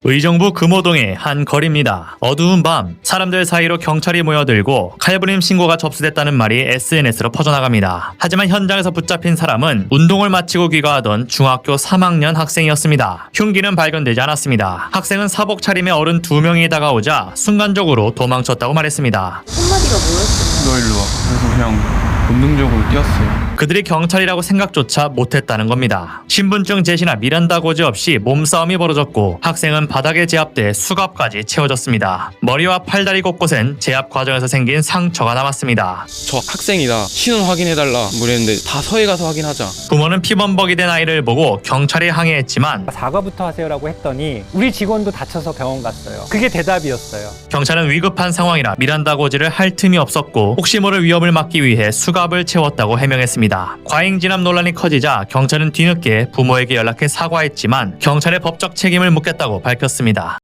의정부 금호동의 한 거리입니다. 어두운 밤 사람들 사이로 경찰이 모여들고 칼부림 신고가 접수됐다는 말이 SNS로 퍼져나갑니다. 하지만 현장에서 붙잡힌 사람은 운동을 마치고 귀가하던 중학교 3학년 학생이었습니다. 흉기는 발견되지 않았습니다. 학생은 사복 차림의 어른 2명이 다가오자 순간적으로 도망쳤다고 말했습니다. 한마디가 뭐였어요? 너 일로 와. 그래서 그냥 본능적으로 뛰었어요. 그들이 경찰이라고 생각조차 못했다는 겁니다. 신분증 제시나 미란다 고지 없이 몸싸움이 벌어졌고 학생은 바닥에 제압돼 수갑까지 채워졌습니다. 머리와 팔다리 곳곳엔 제압 과정에서 생긴 상처가 남았습니다. 저 학생이다. 신원 확인해달라. 그랬는데 다 서해 가서 확인하자. 부모는 피범벅이 된 아이를 보고 경찰에 항의했지만 사과부터 하세요라고 했더니 우리 직원도 다쳐서 병원 갔어요. 그게 대답이었어요. 경찰은 위급한 상황이라 미란다 고지를 할 틈이 없었고 혹시 모를 위협을 막기 위해 수갑을 채웠다고 해명했습니다. 과잉 진압 논란이 커지자 경찰은 뒤늦게 부모에게 연락해 사과했지만 경찰의 법적 책임을 묻겠다고 밝혔습니다.